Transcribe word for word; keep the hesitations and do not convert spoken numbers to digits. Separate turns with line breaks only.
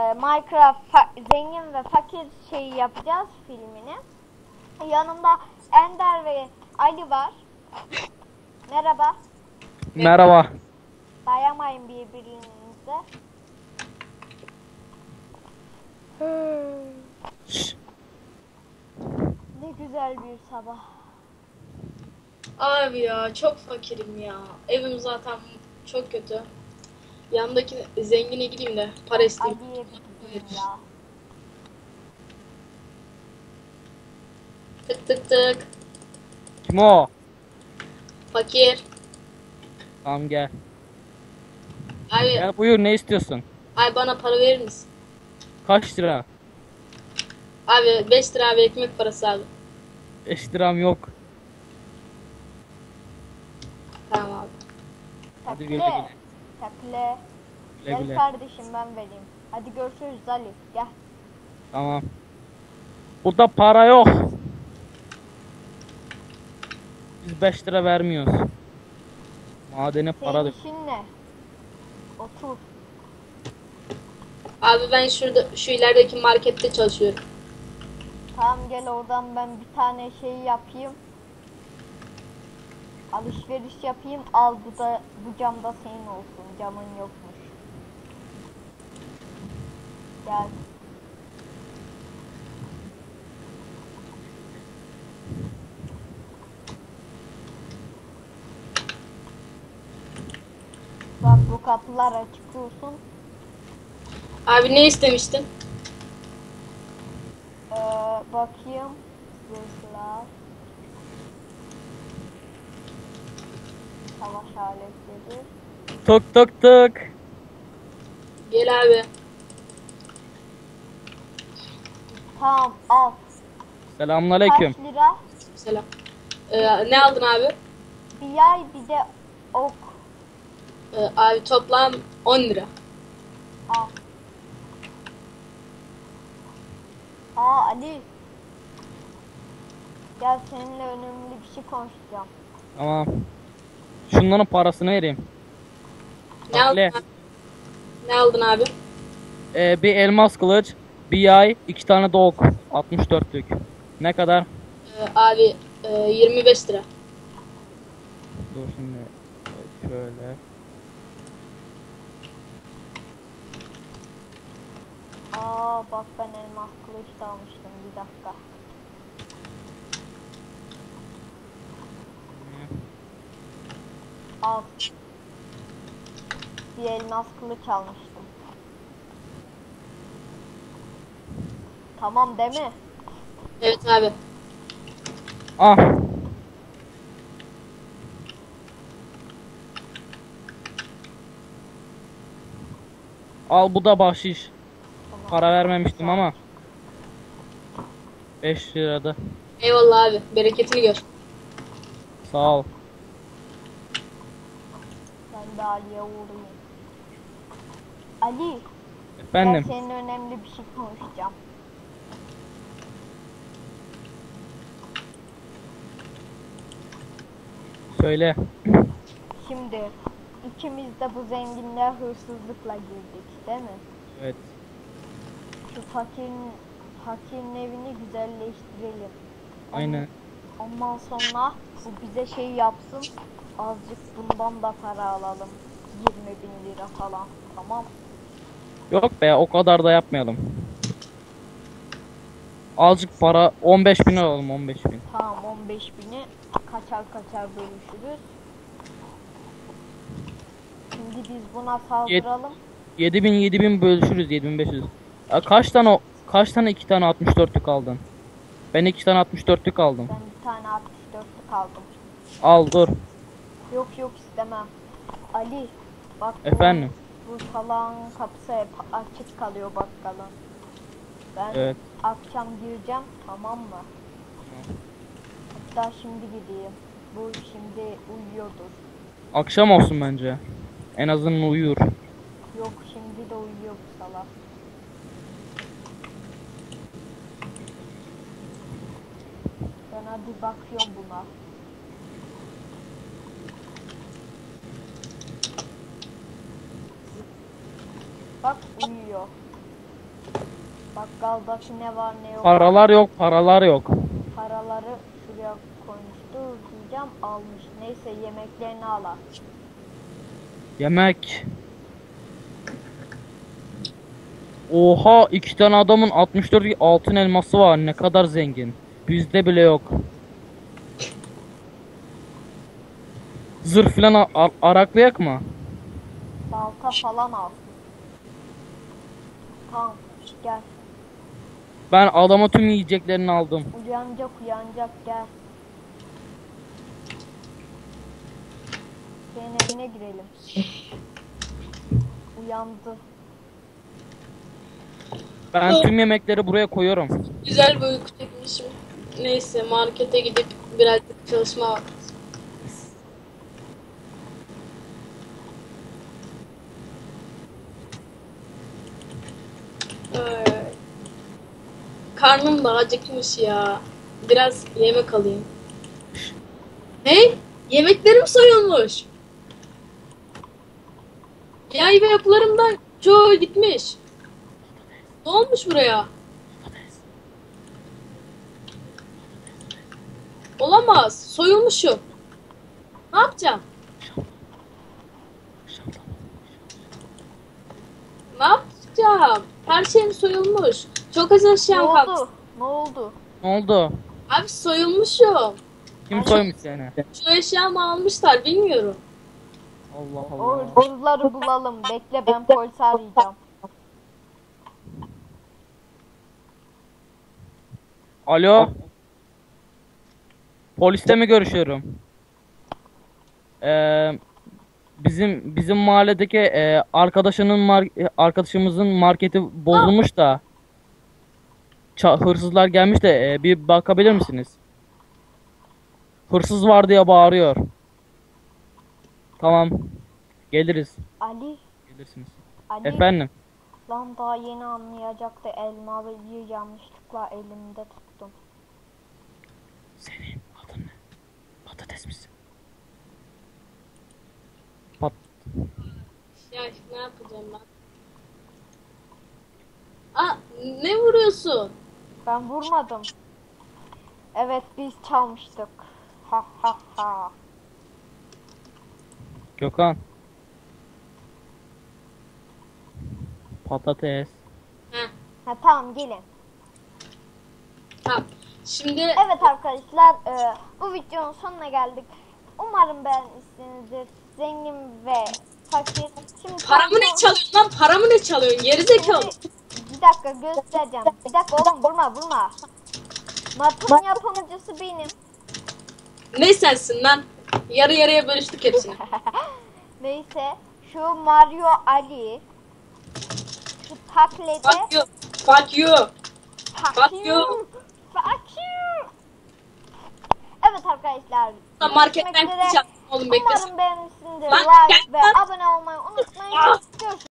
Minecraft zengin ve fakir şeyi yapacağız filmini. Yanımda Ender ve Ali var. Merhaba.
Merhaba.
Dayamayın birbirinize. Ne güzel bir sabah.
Abi ya çok fakirim ya. Evim zaten çok kötü. Yanındaki zengine gideyim de para isteyeyim.
Ali'ye bir gideyim ya.
Tık tık tık.
Kim o?
Fakir.
Tamam gel.
Abi,
Gel buyur, ne istiyorsun?
abi bana para verir misin?
Kaç lira?
Abi beş lira abi ekmek parası abi.
beş liram yok.
Tamam abi.
Hadi güle
Takle.
güle.
Takle.
Güle
Gel
güle.
kardeşim ben vereyim. Hadi görüşürüz Ali. Gel.
Tamam. Burada para yok. Biz beş lira vermiyoruz. Madene para
Senin
dök.
işin ne? Otur.
Abi ben şurada şu ilerideki markette çalışıyorum.
Tamam gel oradan ben bir tane şey yapayım. Alışveriş yapayım. Al bu da bu cam da senin olsun. Camın yokmuş. Gel. Bak bu kapılar açık olsun.
Abi ne istemiştin?
Ee, bakayım. Zırhlar. Savaş aletleri.
Tık tık tık.
Gel abi.
Tamam al.
Selamünaleyküm.
Kaç lira?
Selam. Ee, ne aldın abi?
Bir yay bir de ok.
Ee, abi toplam on lira.
Al. Aa Ali. Gel seninle önemli bir şey konuşacağım.
Tamam. Şunların parasını vereyim.
Ne aldın
Takle.
abi? Ne aldın abi?
Ee, bir elmas kılıç, bir yay, iki tane de ok. altmış dörtlük. Ne kadar?
Ee, abi e, yirmi beş lira.
Dur şimdi. e, Şöyle.
Aa bak ben elmas kılıç da almıştım bir dakika. Al. Bir elmas kılıç almıştım. Tamam değil mi?
Evet abi.
Ah. Al, bu da bahşiş.
Tamam.
Para vermemiştim ama. beş lirada.
Eyvallah abi. Bereketini gör.
Sağ ol.
Ben de Ali'ye uğrayayım. Ali.
Efendim.
Ben seninle önemli bir şey konuşacağım.
Söyle.
Şimdi ikimiz de bu zenginliğe hırsızlıkla girdik değil mi?
Evet.
Şu fakirin, fakirin evini güzelleştirelim.
Aynen.
Ondan sonra bu bize şey yapsın. Azıcık bundan da para alalım. yirmi bin lira falan. Tamam.
Yok be, o kadar da yapmayalım. Azıcık para, on beş bin alalım, on beş bin.
Tamam on beş bini kaçar kaçar bölüşürüz. Şimdi biz buna saldıralım.
yedi bin yedi bin bölüşürüz, yedi bin beş yüz. Ya kaç tane o- kaç tane iki tane altmış dörtlük aldın? Ben iki tane altmış dörtlük aldım.
Ben bir tane altmış dörtlük aldım.
Al dur.
Yok yok istemem. Ali bak bu-
Efendim.
Bu salağın kapısı hep açık kalıyor bakkalın. Ben
Evet.
akşam gireceğim tamam mı? Hatta şimdi gideyim. Bu şimdi uyuyordur.
Akşam olsun bence. En azından uyur.
Yok şimdi de uyuyor bu salak. Ben hadi bakıyorum buna. Bak uyuyor. Bakkaldaki ne var ne yok.
Paralar yok, paralar yok.
Paraları şuraya koymuştu diyeceğim, almış. Neyse yemeklerini ala.
Yemek. Oha, iki tane adamın altmış dört altın elması var. Ne kadar zengin. Bizde bile yok. Zırh filan a- a- araklayak mı?
Balta falan al. Tamam gel.
Ben adama tüm yiyeceklerini aldım.
Uyanacak uyanacak gel. Senin evine girelim. Uyandı.
Ben tüm yemekleri buraya koyuyorum.
Güzel bir uyku çekmişim. Neyse markete gidip birazcık çalışma vakti. Ay. Karnım da acıkmış ya. Biraz yemek alayım. Hey, yemeklerim soyulmuş. Yay ve yapılarımdan çoğu gitmiş. Ne olmuş buraya? Olamaz. Soyulmuşum. Ne yapacağım? Ne yapacağım? Her şeyim soyulmuş. Çok az
Ne
eşyam kaldı.
oldu? Ne oldu?
Ne oldu?
Abi soyulmuşum.
Kim soymuş seni?
Şu eşyamı almışlar bilmiyorum.
Allah
O
Allah.
hırsızları bulalım. Bekle ben polisi arayacağım.
Alo. Poliste mi görüşüyorum? Ee, bizim bizim mahalledeki e, arkadaşının mar- e, arkadaşımızın marketi bozulmuş da Ça- hırsızlar gelmiş de e, bir bakabilir misiniz? Hırsız var diye bağırıyor. Tamam. Geliriz.
Ali.
Gelirsiniz.
Ali.
Efendim.
Lan daha yeni anlayacaktı. Elmalıyı yanlışlıkla elimde tuttum.
Senin adın ne? Patates misin? Pat.
Ya ne yapacağım ben? Aa, ne vuruyorsun?
Ben vurmadım. Evet biz çalmıştık. Ha ha ha.
Gökhan. Patates.
Heh,
Ha tamam gelin.
tamam. Şimdi
Evet arkadaşlar e, bu videonun sonuna geldik. Umarım beğenmişsinizdir. Zengin ve fakir. Şimdi
paramı ne
tam-
çalıyorsun lan? Paramı ne çalıyorsun? Gerizekalı.
Bir dakika göstereceğim. Bir dakika oğlum vurma vurma. Mapın yapımcısı benim.
Ne sensin lan? Yarı yarıya bölüştük hepsini.
Neyse şu Mario Ali. Şu taklede.
Fuck you. Fuck you.
Fuck
you.
you. Fuck you. Evet arkadaşlar.
Lan marketten
görüşmek üzere.
gideceğim. Oğlum beklesin.
Umarım beğenmişsinizdir.
Lan
Like
gel
ve
lan.
abone olmayı unutmayın.
Ah.
Görüşürüz.